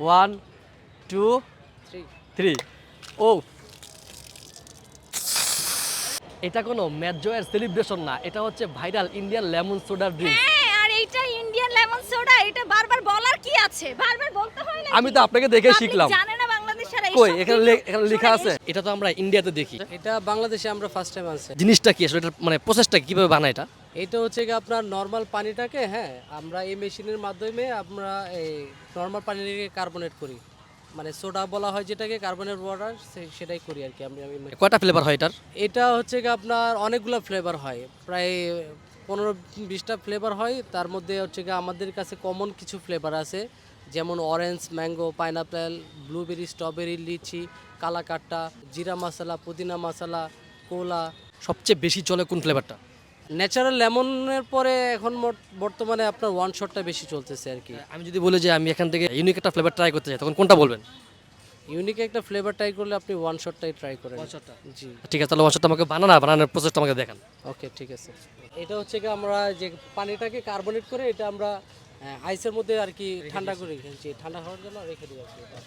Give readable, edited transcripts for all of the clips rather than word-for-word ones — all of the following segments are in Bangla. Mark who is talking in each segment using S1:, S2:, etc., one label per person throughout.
S1: 1 2 3 ও এটা কোনো ম্যাচ জয়ের সেলিব্রেশন না, এটা হচ্ছে viral Indian lemon soda drink.
S2: হ্যাঁ, আর এইটা ইন্ডিয়ান লেমন সোডা, এটা বারবার বলার কি আছে? বারবার বলতে হয় না।
S1: আমি তো আপনাকে দেখে শিখলাম।
S2: জানে না বাংলাদেশের এই
S1: কই এখানে লেখা আছে? এটা তো আমরা ইন্ডিয়াতে দেখি।
S3: এটা বাংলাদেশে আমরা ফার্স্ট টাইম আনছি।
S1: জিনিসটা কি আসলে, এটার মানে প্রসেসটা কিভাবে বানায় এটা?
S3: এটা হচ্ছে কি আপনার নর্মাল পানিটাকে আমরা এই মেশিনের মাধ্যমে আমরা এই নর্মাল পানিটাকে কার্বনেট করি, মানে সোডা বলা হয় যেটাকে, কার্বনেট ওয়াটার, সেটাই করি আর কি আমি।
S1: কয়টা ফ্লেভার হয় এটার?
S3: এটা হচ্ছে কি আপনার অনেকগুলো ফ্লেভার হয়, প্রায় 15-20টা ফ্লেভার হয়। তার মধ্যে হচ্ছে কি আমাদের কাছে কমন কিছু ফ্লেভার আছে, যেমন orange, mango, pineapple, blueberry, strawberry, lychee, kala khatta, জিরা মশলা, পুদিনা মশলা, কোলা।
S1: সবচেয়ে বেশি চলে কোন ফ্লেভারটা?
S3: ন্যাচারাল লেমনের পরে এখন বর্তমানে আপনার ওয়ান শটটা বেশি চলতেছে আর কি।
S1: আমি যদি বলি যে আমি এখান থেকে ইউনিক একটা ফ্লেভার ট্রাই করতে চাই, তখন কোনটা বলবেন?
S3: ইউনিক একটা ফ্লেভার ট্রাই করলে আপনি ওয়ান শটটাই ট্রাই করেন। জি
S1: ঠিক আছে, তাহলে ওয়ান শটটা আমাকে বানানোর প্রসেসটা আমাকে দেখান।
S3: ওকে, ঠিক আছে। এটা হচ্ছে কি আমরা যে পানিটাকে কার্বনেট করে এটা আমরা আইসের মধ্যে আর কি ঠান্ডা করে রেখেছি, ঠান্ডা হওয়ার জন্য রেখে দিই আর কি এটা।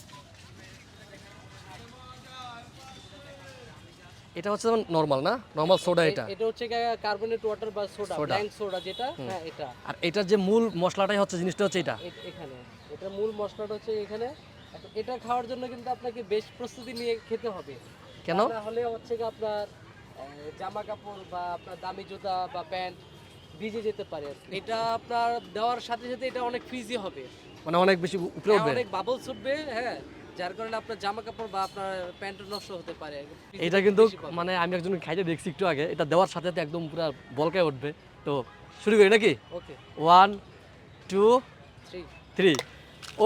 S1: এটা হচ্ছে নরমাল না, নরমাল সোডা এটা।
S3: এটা হচ্ছে কি কার্বনেট ওয়াটার বা সোডা, ব্ল্যাঙ্ক সোডা যেটা, হ্যাঁ এটা।
S1: আর এটার যে মূল মশলাটাই হচ্ছে, জিনিসটা হচ্ছে এটা।
S3: এখানে এটা মূল মশলাটা হচ্ছে এখানে। এখন এটা খাওয়ার জন্য কিন্তু আপনাকে বেশ প্রস্তুতি নিয়ে খেতে হবে।
S1: কেন?
S3: তাহলে হচ্ছে কি আপনার জামা কাপড় বা আপনার দামি জুতা বা প্যান্ট ভিজে যেতে পারে আর কি। এটা আপনার দেওয়ার সাথে সাথে এটা অনেক ফ্রিজি হবে,
S1: মানে অনেক বেশি উপরে উঠবে।
S3: অনেক বাবলস উঠবে, হ্যাঁ, যার কারণে আপনার জামা কাপড় বা আপনার প্যান্ট নষ্ট হতে পারে।
S1: এটা কিন্তু মানে আমি একজন খাইতে দেখছি একটু আগে, এটা দেওয়ার সাথে সাথে একদম পুরো বলকায় উঠবে। তো শুরু করি নাকি?
S3: ওকে,
S1: 1 2
S3: 3।
S1: 3 ও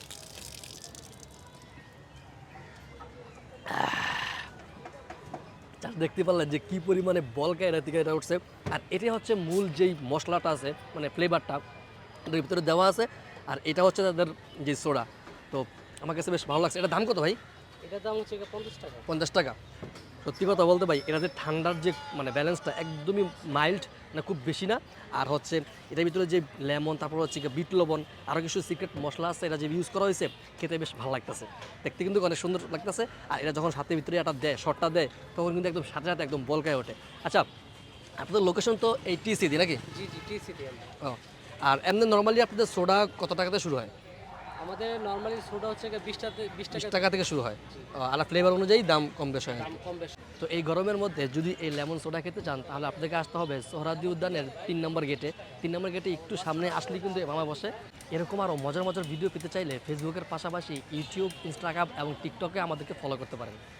S1: দেখতে পারলেন যে কি পরিমাণে বলকায় এটা থেকে এটা উঠছে। আর এটা হচ্ছে মূল যেই মশলাটা আছে, মানে ফ্লেভারটা এটার ভিতরে দেওয়া আছে। আর এটা হচ্ছে তাদের যে সোডা। তো আমার কাছে বেশ ভালো লাগছে। এটা দাম কত ভাই?
S3: এটার দাম হচ্ছে 50 টাকা।
S1: 50 টাকা। সত্যি কথা বলতে ভাই, এটা যে ঠান্ডার যে মানে ব্যালেন্সটা একদমই মাইল্ড, মানে খুব বেশি না। আর হচ্ছে এটার ভিতরে যে লেমন, তারপর হচ্ছে বিট লবণ, আরও কিছু সিক্রেট মশলা আছে, এটা যে ইউজ করা হয়েছে, খেতে বেশ ভালো লাগতেছে, দেখতে কিন্তু অনেক সুন্দর লাগতেছে। আর এটা যখন সাথে ভিতরে এটা দেয়, শটটা দেয়, তখন কিন্তু একদম সাথে সাথে একদম বলকায় ওঠে। আচ্ছা, আপনাদের লোকেশন তো এই টিসিডি নাকি?
S3: জি জি, টিসিটি।
S1: ও, আর এমনি নর্মালি আপনাদের সোডা কত টাকাতে শুরু হয়?
S3: আমাদের নরমালি সোডা হচ্ছে 20
S1: 20 টাকা থেকে শুরু হয়। আর ফ্লেভার অনুযায়ী দাম কম বেশ হয়।
S3: দাম কম বেশি।
S1: তো এই গরমের মধ্যে যদি এই লেমন সোডা খেতে চান, তাহলে আপনাকে আসতে হবে সোহরাওয়ার্দী উদ্যানের 3 নম্বর গেটে। 3 নম্বর গেটে একটু সামনে আসলে কিন্তু মামা বসে। এরকম আরও মজার মজার ভিডিও পেতে চাইলে ফেসবুকের পাশাপাশি ইউটিউব, ইনস্টাগ্রাম এবং টিকটকে আমাদেরকে ফলো করতে পারেন।